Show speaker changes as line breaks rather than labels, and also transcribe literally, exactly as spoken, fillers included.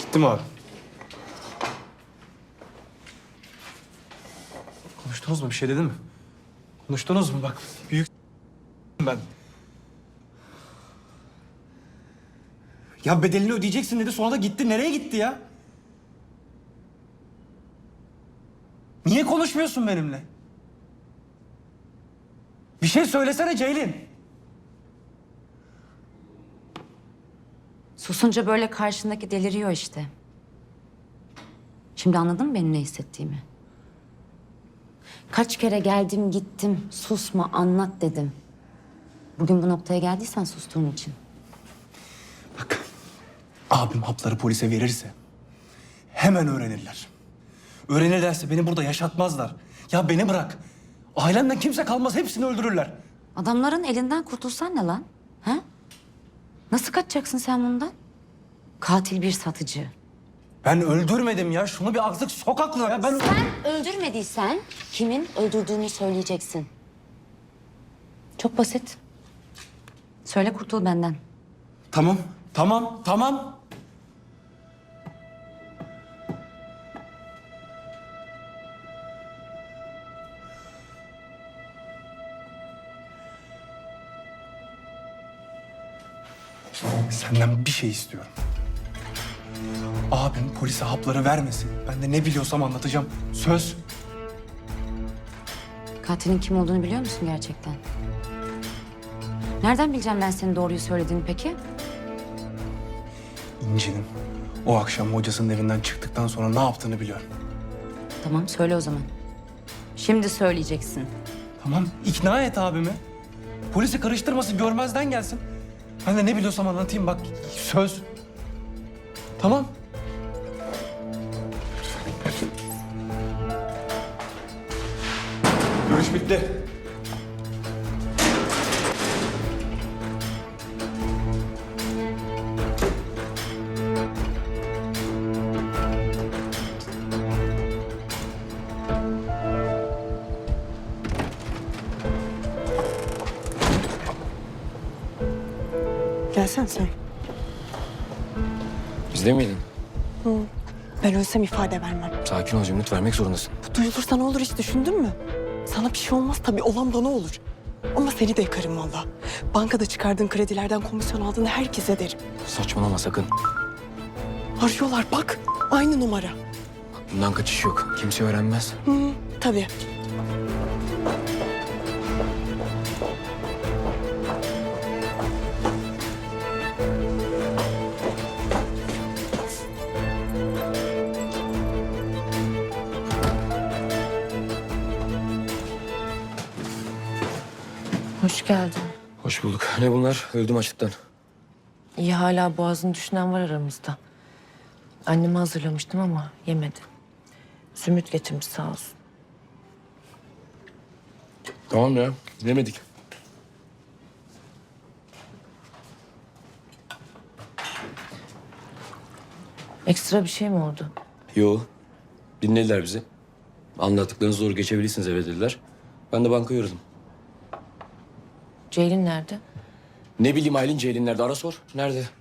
Gitti mi abi? Konuştunuz mu? Bir şey dedi mi? Konuştunuz mu? Bak büyük ben. Ya bedelini ödeyeceksin dedi, sonra da gitti. Nereye gitti ya? Niye konuşmuyorsun benimle? Bir şey söylesene Ceylin.
Susunca böyle karşındaki deliriyor işte. Şimdi anladın mı benim ne hissettiğimi? Kaç kere geldim gittim, susma anlat dedim. Bugün bu noktaya geldiysen sustuğun için.
Bak, abim hapları polise verirse hemen öğrenirler. Öğrenirlerse beni burada yaşatmazlar. Ya beni bırak. Ailemden kimse kalmaz, hepsini öldürürler.
Adamların elinden kurtulsan ne lan? Ha? Nasıl kaçacaksın sen bundan? Katil bir satıcı.
Ben öldürmedim ya. Şunu bir azıcık sok aklına ya. Ben...
Sen öldürmediysen kimin öldürdüğünü söyleyeceksin. Çok basit. Söyle kurtul benden.
Tamam, tamam, tamam. Senden bir şey istiyorum. Abim polise hapları vermesin. Ben de ne biliyorsam anlatacağım. Söz.
Katilin kim olduğunu biliyor musun gerçekten? Nereden bileceğim ben senin doğruyu söylediğini peki?
İnci'nin o akşam hocasının evinden çıktıktan sonra ne yaptığını biliyorum.
Tamam söyle o zaman. Şimdi söyleyeceksin.
Tamam, ikna et abimi. Polisi karıştırmasın, görmezden gelsin. Ben de ne biliyorsam anlatayım bak. Söz. Tamam. Görüş bitti.
Gelsene sen.
Bizde miydin?
Ben ölsem ifade vermem.
Sakin ol Cemil, vermek zorundasın.
Bu duyulursa ne olur hiç düşündün mü? Sana bir şey olmaz tabii, olan bana olur. Ama seni de yakarım valla. Bankada çıkardığın kredilerden komisyon aldığını herkese derim.
Saçmalama sakın.
Arıyorlar bak, aynı numara.
Bundan kaçış yok. Kimse öğrenmez.
Hı, tabii.
Hoş geldin.
Hoş bulduk. Ne bunlar? Öldüm açlıktan.
İyi hala boğazını düşünen var aramızda. Anneme hazırlamıştım ama yemedi. Zümrüt getirmiş sağ olsun.
Tamam ya. Yemedik.
Ekstra bir şey mi oldu?
Yo. Dinlediler bizi. Anlattıklarınızı doğru geçebilirsiniz eve dediler. Ben de bankaya uğradım.
Ceylin nerede?
Ne bileyim Aylin Ceylin nerede? Ara sor. Nerede?